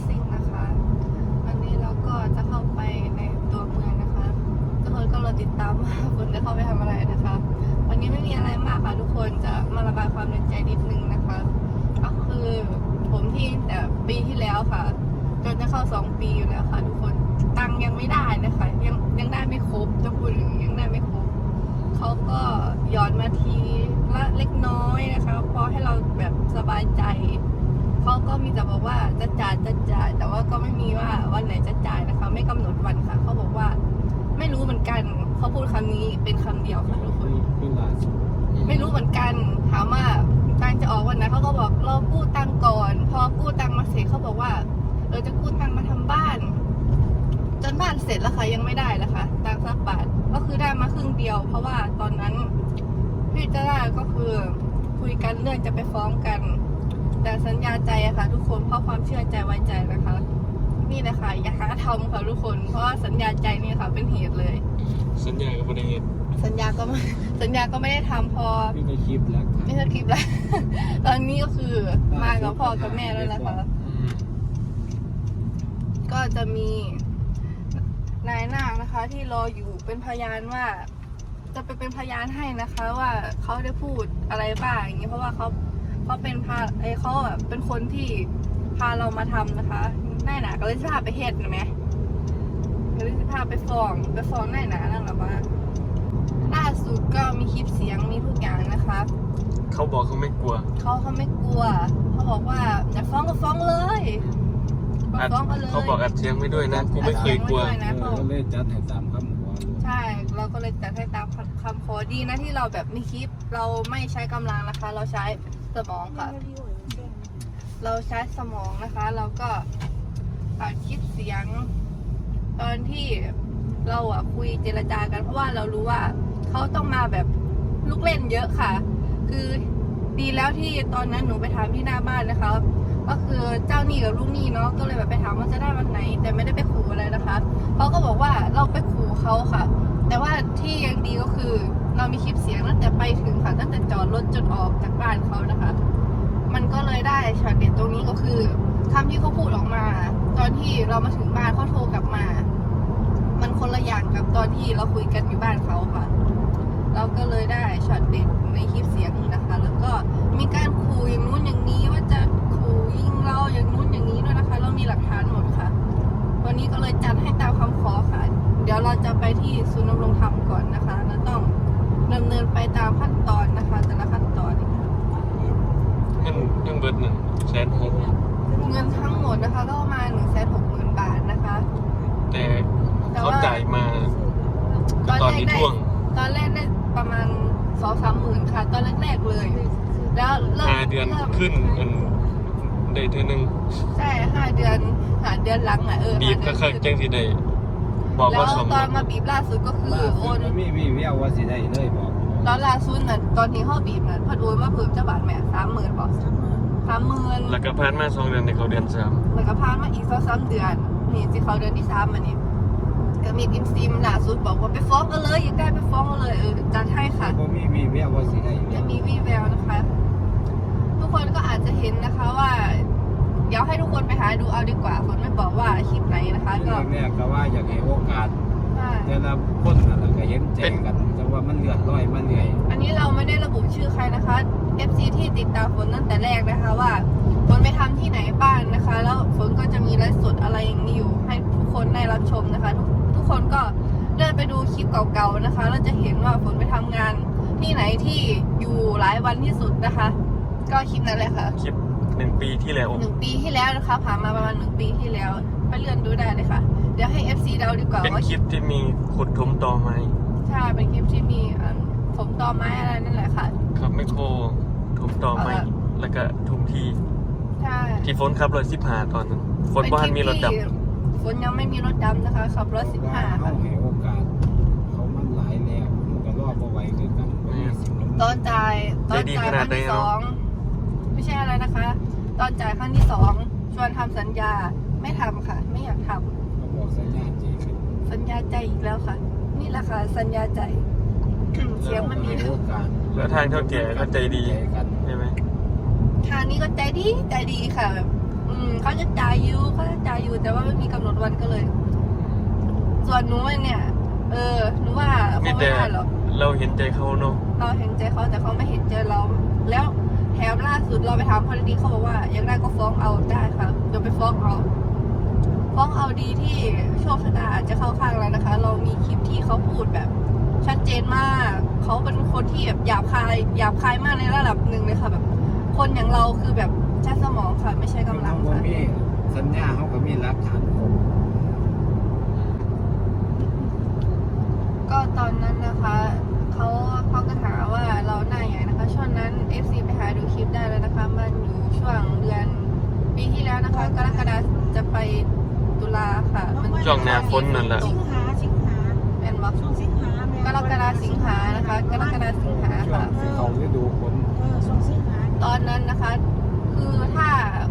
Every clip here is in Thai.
ซิ่งนะคะวันนี้เราก็จะเข้าไปในตัวเมืองนะคะทุกคนก็รอติดตามว่าฝนจะเข้าไปทำอะไรนะคะวันนี้ไม่มีอะไรมากค่ะทุกคนจะมาระบายความในใจนิดนึงนะคะก็คือผมที่แต่ปีที่แล้วค่ะจนจะเข้า2 ปีอยู่แล้วค่ะทุกคนตังค์ยังไม่ได้นะคะยังได้ไม่ครบจะพูดถึงยังได้ไม่ครบเขาก็ย้อนมาทีละเล็กน้อยนะคะพอให้เราแบบสบายใจเขาก็มีแต่บอกว่าจะจ่ายแต่ว่าก็ไม่มีว่าวันไหนจะจ่ายนะคะไม่กำหนดวันค่ะเขาบอกว่าไม่รู้เหมือนกันเขาพูดคำนี้เป็นคำเดียวค่ะทุกคนไม่รู้เหมือนกันถามว่าตังจะออกวันไหนเขาก็บอกรอกู้ตังก่อนพอกู้ตังมาเสร็จเขาบอกว่าจะกู้ตังมาทำบ้านจนบ้านเสร็จแล้วค่ะยังไม่ได้นะคะตังสักบาทก็คือได้มาครึ่งเดียวเพราะว่าตอนนั้นพี่เจ้าก็คือคุยกันเรื่องจะไปฟ้องกันแต่สัญญาใจอะค่ะทุกคนเพราะความเชื่อใจไว้ใจนะคะนี่แหละค่ะอย่าหาทำค่ะทุกคนเพราะว่าสัญญาใจนี่ค่ะเป็นเหตุเลยสัญญากับประเด็นสัญญาก็ไม่ได้ทำพอไม่ได้คลิปแล้วไม่ได้คลิปแล้ว ตอนนี้ก็คือมากับพ่อกับแม่แล้วนะคะก็จะมีนายนาคนะคะที่รออยู่เป็นพยานว่าจะไปเป็นพยานให้นะคะว่าเขาได้พูดอะไรบ้างอย่างนี้เพราะว่าเขาเป็นเขาแบบเป็นคนที่พาเรามาทำนะคะนายหนาก็เลยพาไปเฮ็ดนะไหมก็เลยพาไปฟ้องนายหนานั่นแหละว่าล่าสุดก็มีคลิปเสียงมีทุกอย่างนะคะเขาบอกเขาไม่กลัวเขาไม่กลัวเขาบอกว่าอยากฟ้องก็ฟ้องเลยฟ้องก็เลยเขาบอกอัดเสียงไม่ด้วยนะกูไม่เคยกลัวก็เลยจัดให้ตามคำขอใช่เราก็เลยจัดให้ตามคำขอดีนะที่เราแบบมีคลิปเราไม่ใช้กำลังนะคะเราใช้สมองค่ะเราใช้สมองนะคะเราก็ตัดคลิปเสียงตอนที่เราคุยเจรจากันเพราะว่าเรารู้ว่าเขาต้องมาแบบลูกเล่นเยอะค่ะคือดีแล้วที่ตอนนั้นหนูไปถามที่หน้าบ้านนะคะก็คือเจ้าหนี้กับลูกหนี้เนาะก็เลยแบบไปถามว่าจะได้วันไหนแต่ไม่ได้ไปขู่อะไรนะคะเขาก็บอกว่าเราไปขู่เขาค่ะแต่ว่าที่ยังดีก็คือเรามีคลิปเสียงตั้งแต่ไปถึงค่ะตั้งแต่จอดรถจนออกจากบ้านเขานะคะมันก็เลยได้ช็อตเด็ดตรงนี้ก็คือคำที่เขาพูดออกมาตอนที่เรามาถึงบ้านเขาโทรกลับมามันคนละอย่างกับตอนที่เราคุยกันอยู่บ้านเขาค่ะเราก็เลยได้ช็อตเด็ดในคลิปเสียงนี้นะคะแล้วก็มีการขู่อย่างนู้นอย่างนี้ว่าจะขู่ยิงเราอย่างนู้นอย่างนี้ด้วยนะคะเรามีหลักฐานหมดค่ะวันนี้ก็เลยจัดให้ตามคำขอค่ะเดี๋ยวเราจะไปที่ศูนย์ดำรงธรรมก่อนนะคะเราต้องดำเนินไปตามขั้นตอนนะคะแต่ละขั้นตอนเงินเบิด160,000 เงินทั้งหมดนะคะก็ประมาณ160,000 บาทนะคะแต่เขาจ่ายมาตอนนี้ท่วงตอนแรกได้ประมาณ 2-3 หมื่นค่ะตอนแรกๆเลยแล้วเริ่ม 5 เดือนขึ้นได้เท่านึงใช่5 เดือนหลังบีบก็คือแจ้งที่ได้บอกว่าแล้วตอนมาบีบล่าสุดก็คือโอนมีเวียวว่าสิได้เลยบอกตอนล่าสุดน่ะตอนที่เขาบีบน่ะพัดโอนมาเพิ่มจะบาทแม่30,000บอก30,000 แล้วก็ผ่านมา2 เดือนในเขาเดือน3 แล้วก็ผ่านมาอีก2-3 เดือนนี่สิเขาเดือนที่3อันนี้ก็มีอินซีมล่าสุดบอกว่าไปฟ้องกันเลยอยากได้ไปฟ้องกันเลยจัดให้ค่ะมีเวียวว่าสิได้จะมีวีแววนะคะทุกคนก็อาจจะเห็นนะคะว่าเดี๋ยวให้ทุกคนไปหาดูเอาดีกว่าคนไม่บอกว่าคลิปไหนนะคะก็แม่ก็ว่าอยากให้โอกาสแต่ละคนน่ะก็เห็นแจ้งกันจังว่ามันเลือดร้อยมันเหนื่อยอันนี้เราไม่ได้ระบุชื่อใครนะคะ FC ที่ติดตามฝนตั้งแต่แรกนะคะว่าฝนไปทำที่ไหนบ้างนะคะแล้วฝนก็จะมีไลฟ์สดอะไรอย่างนี้อยู่ให้ทุกคนได้รับชมนะคะทุกคนก็เลื่อนไปดูคลิปเก่าๆนะคะแล้วจะเห็นว่าฝนไปทำงานที่ไหนที่อยู่หลายวันที่สุดนะคะก็คลิปนั้นแหละค่ะคลิป1 ปีที่แล้ว 1 ปีที่แล้วนะคะผ่านมาประมาณ1 ปีที่แล้วไปเลื่อนดูได้เลยค่ะเดี๋ยวให้ FC เดาดีกว่าเป็นคลิปที่มีขุดถมตอไม้ใช่เป็นคลิปที่มีถมตอไม้อะไรนั่นแหละค่ะครับไม่โคถมตอไม้แล้วก็ทุ่มทีใช่ที่ฝนขับ115ตอนนั้นฝนบ้านมีรถดำฝนยังไม่มีรถดำนะคะขับ115 เขาให้โอกาสเขามันหลายแล้วก็รอบ่ไหวคือกันตอนจ่ายครั้งที่2ไม่ใช่อะไรนะคะตอนจ่ายครั้งที่2ชวนทำสัญญาไม่ทำค่ะไม่อยากทำบอกสัญญาใจอีกแล้วค่ะนี่แหละค่ะสัญญาใจเสียงมันมีแล้วทางเท่าแก่ก็ใจดีใช่ไหมทางนี้ก็ใจดีค่ะแบบเขาจะจ่ายอยู่แต่ว่าไม่มีกำหนดวันก็เลย ส่วนหนูเนี่ยหนูว่าเขาไม่ได้หรอกเราเห็นใจเขาเนาะเราเห็นใจเขาแต่เขาไม่เห็นใจเรา แล้วแถมล่าสุดเราไปถามเขาดีๆเขาบอกว่าอยากได้ก็ฟ้องเอาได้ค่ะเดี๋ยวไปฟ้องเอาดีที่โชคชะตาอาจจะเข้าข้างเรานะคะ เรามีคลิปที่เขาพูดแบบชัดเจนมากเขาเป็นคนที่แบบหยาบคายมากในระดับหนึ่งเลยค่ะแบบ คนอย่างเราคือแบบใช้สมองค่ะไม่ใช่กำลังเขาค่ะมีสัญญาเขาก็มีหลักฐานครบก็ตอนนั้นนะคะเขาก็ถามว่าเราหน้าใหญ่นะคะช่วงนั้น FC ไปหาดูคลิปได้แล้วนะคะมันอยู่ช่วงเดือนปีที่แล้วนะคะกรกฎาคมจะไปตุลาค่ะมันช่วงหน้าฝนนั่นแหละสิงหาแอนบอกช่วงสิงหากรกฎาสิงหานะคะกรกฎาสิงหาช่วงค่ะที่เขาฤดูฝนช่วงสิงหาตอนนั้นนะคะ คือถ้า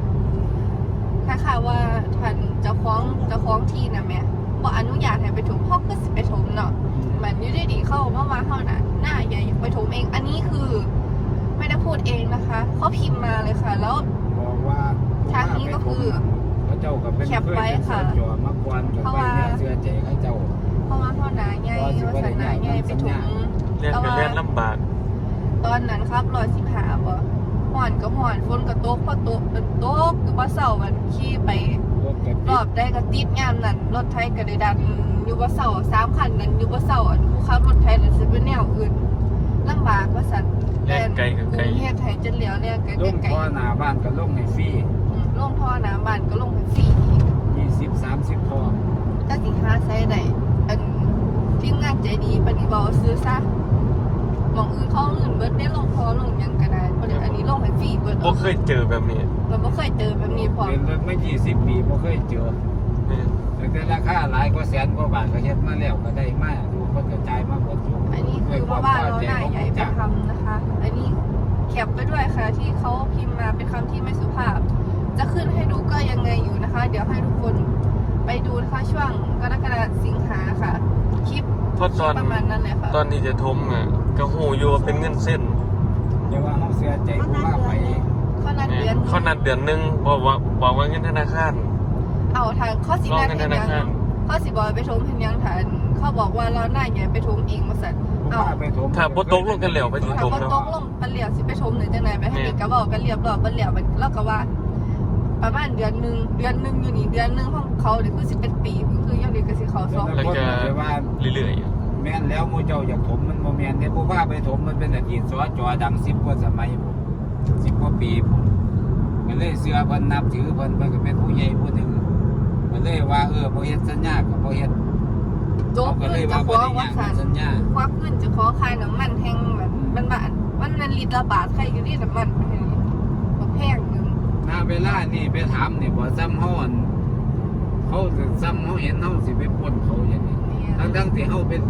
ว่าท่านเจ้าของที่นะแม่บอกอนุญาตให้ไปถมพ่อก็สิไปถมเนาะเหมือนอยูดีๆเข้ามาเข้าน่ะหน้าใหญ่ไปถมเอง อันนี้คือไม่ได้พูดเองนะคะเขาพิมพ์มาเลยค่ะ แล้วบอกว่าทางนี้ก็คือเขาเจ้ากับเป็นแคปไว้ค่ะจอมาก่อนกับไปเนี่ยเสื้อใจเขาเจ้าเพราะว่าพ่อหนาใหญ่วัฒนาใหญ่ไปถมเรียนกันเรียนลำบากตอนนั้นครับ115บ่ห่อนก็ห่อนฝนก็ตกพอตกเป็นตกคือว่าเสาร์มันขี่ไปรถกับรอบได้ก็ติดงามนั่นรถไทยก็ได้ดันอยู่ว่าเสาร์3คันนั้นอยู่ว่าเสาร์ผู้ขับรถไทยนั่นสิเป็นแนวอื่นลำบากว่าซั่นแล่นไกลกับไกลรุงเทพไทยจนเหลียวเนี่ยไกลลงไกลพ่อหน้าบ้านก็ลงให้ฟรีลงท่อน้ำบ้านก็ลงไปฟรีอีก 20-30ท่อถ้าสิหาใช้ได้อันทีมงานใจดีปฏิบัติซื้อซะหมองอื่นเขาอื่นเบิดได้ลงท่อลงหยังก็ได้เพราะเดี๋ยวอันนี้ลงให้ฟรีเบิดบ่เคยเจอแบบนี้เราบ่เคยเจอแบบนี้พอเป็นรถไม่20 ปีบ่เคยเจอเนี่ยแต่ราคาหลายกว่าแสนกว่าบาทก็เฮ็ดมาแล้วก็ได้มาดูคนกระจายมาหมดทุกอันนี้คือเพราะว่าเราหน้าใหญ่ไปทำนะคะ อันนี้แคปไปด้วยค่ะที่เขาพิมพ์มาเป็นคำที่ไม่สุภาพ จะขึ้นให้ดูก็ยังไงอยู่นะคะ เดี๋ยวให้ทุกคนไปดูนะคะช่วงกรกฎาคมสิงหาค่ะ คลิปเพราะตอนประมาณนั้นเลยค่ะตอนนี้จะทมอ่ะก็หูอยู่ว่าเป็นเงินเส้นอย่าว่าเฮาเสียใจผู้ว่าไปเขานัดเดือนเขานัดเดือนหนึงบอกว่าเงินธนาคารเอาทางข้อสิรอนาเงินเห็ธนนายังคารข้อสิบอยไปทมเห็นยังฐานเขาบอกว่าเราหน้าใหญ่ไปทมเองมาสั่นผู้ว่าไปถมถ้าบ่ตกลงกันแล้วไปสิถ้าทมบ่เนาะตกลงไปเหลียวสิไปทมหรือจังไหนไปให้เด็กกระบอกกันเรียบร้อยไปเหลียวแล้วก็ว่า ประมาณเดือนหนึ่งอยู่นี่เดือนหนึ่งของเขาเนี่ยคือ11 ปีคือยังเด็กก็สิเขา2 แล้วก็ว่าเรื่อยแม่นแล้วหมู่เจ้าอยากถมมันบ่แม่นเด้ผู้ว่าไปถมมันเป็นอดีตสจดัง10กว่าสมัยผม10กว่าปีผมก็เลยเชื่อเพิ่นนับถือเพิ่นก็เป็นผู้ใหญ่ผู้หนึงก็เลยว่าบ่เฮ็ดสัญญาก็บ่เฮ็ดโจ๊กก็ขึ้เลนยจะว่าฟ้บ่องได้ว่าย่างสั่นสัญญาควักขึ้นจะขอคายน้ำมันแห้งแบบมันลิตรละบาทใครอยู่ที่น้ำมันแพงหนึ่งณเวลานี่ไปถามนี่บ่ซ้ำเฮาอั่นเขาสิซ้ำเฮาเห็นเฮาสิไปปล้นเขาอย่างนี้ทั้งที่เฮาเป็น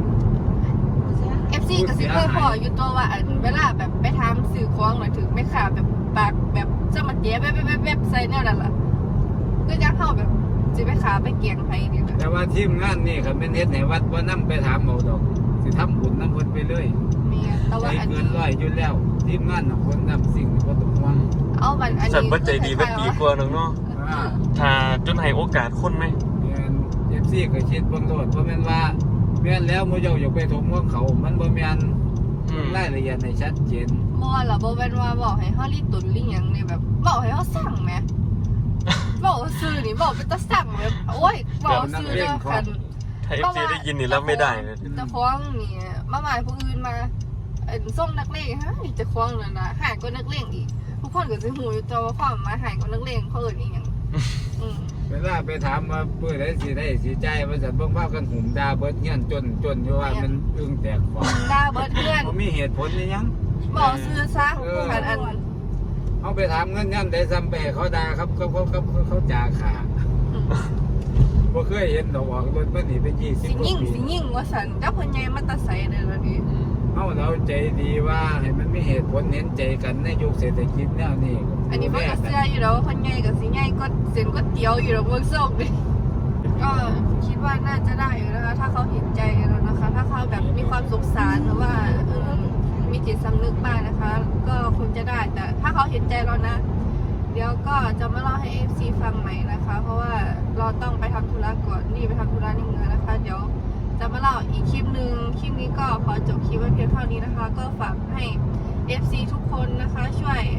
FC ก็สิเคยพออยู่ตัวว่าเวลาแบบไปทำสื่อของหน่อยถึงไม่ขาแบบปากแบบจะมาเจ๊แบบใส่แนวนั่นล่ะคือจะเข้าแบบสิไปขาไปเกียงไผนี่ค่ะแต่ว่าทีมงานนี่คันเป็นเฮ็ดให้วัดบ่นำไปถามเอาดอกสิทำบุญนำเพิ่นไปเลยมีแต่ใจว่าอันเกินี้นร้อยอยู่แล้วทีมงานของคนนำสิ่งบ่ต้องห่วงเอามันอันๆสัตนี้ว์บ่ใจดีเป็นปีกว่านึงเนาะอ่าถ้าจนให้โอกาสคนไหมแม่น FC ก็คิดเบิ่งโลดบ่แม่นว่าแม่นแล้วหมู่เจ้าอยากไปถมของเขา มันบ่แม่นอืมรายละเอียดให้ชัดเจนบ่ล่ะบ่เป็นว่าบอกให้เฮารีตุนลิหยังนี่แบบบอกให้เฮาสั่งแหมบอกซื้อนี่บอกเป็นตาสั่งแบบโอ้ยบอกซื้อเด้อคันถ้า FC ได้ยินนี่รับไม่ได้เลยจะคล้องนี่มาหมายผู้อื่นมาส่งนักเลงฮะนี่จะคล้องเลยนะหายก็นักเลงอีกทุกคนก็จะหูอยู่ตัวว่าความมาหายก็นักเลงเขาเอิ้นอีหยังเวลาไปถามว่าเพื่อได้สิได้สิใจว่าสันเบิ่งภาพกันหุ่มดาเบิดเงี้ยนจนอยู่ว่ามันอึ้งแตกฟองด่าเบิดเพื่อนบ่มีเหตุผลนี่ยังบอกซื้อซะคันอันเอาไปถามเงินยันได้ซ้ำไปให้เขาด่าครับเขาจ่าขาบ่เคยเห็นดอกออกรถมันนี่เป็น20 สิกว่ายิ่งปีสิยิ่งว่าสันเจ้าพญายมาตาใสเลยละดิเฮาเราใจดีว่าให้มันมีเหตุผลเห็นใจกันในยุคเศรษฐกิจแนวนี้อันนี้มันก็เสื้ออยู่แล้วพญายกับสิใหญ่ก็เส้นก็เตี๋ยวอยู่แล้วเบิ่งส่งดิก็คิดว่าน่าจะได้อยู่นะคะถ้าเขาเห็นใจเรานะคะ ถ้าเขาแบบมีความสงสารหรือว่ามีจิตสำนึกบ้างนะคะ ก็คงจะได้แต่ถ้าเขาเห็นใจเรานะเดี๋ยวก็จะมาเล่าให้ FC ฟังใหม่นะคะ เพราะว่าเราต้องไปทำธุระก่อนนี่ไปทำธุระในเมืองนะคะ เดี๋ยวจะมาเล่าอีกคลิปหนึ่งคลิปนี้ก็ขอจบคลิปไว้เพียงเท่านี้นะคะ ก็ฝากให้ FC ทุกคนนะคะช่วย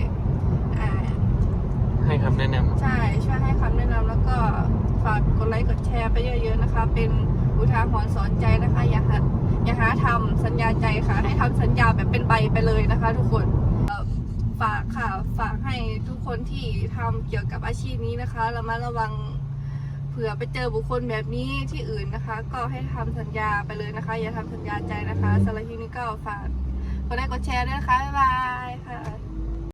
ให้คำแนะนำใช่ช่วยให้คำแนะนำแล้วก็ฝากกดไลค์กดแชร์ไปเยอะๆนะคะ เป็นอุทาหรณ์สอนใจนะคะ อย่าหาทำสัญญาใจค่ะ ให้ทำสัญญาแบบเป็นใบไปเลยนะคะ ทุกคนฝากค่ะฝากให้ทุกคนที่ทำเกี่ยวกับอาชีพนี้นะคะระมัดระวังเผื่อไปเจอบุคคลแบบนี้ที่อื่นนะคะ ก็ให้ทำสัญญาไปเลยนะคะ อย่าทำสัญญาใจนะคะสำหรับที่นี้ก็ฝากกดไลค์กดแชร์ด้วยนะคะบ๊ายบายค่ะ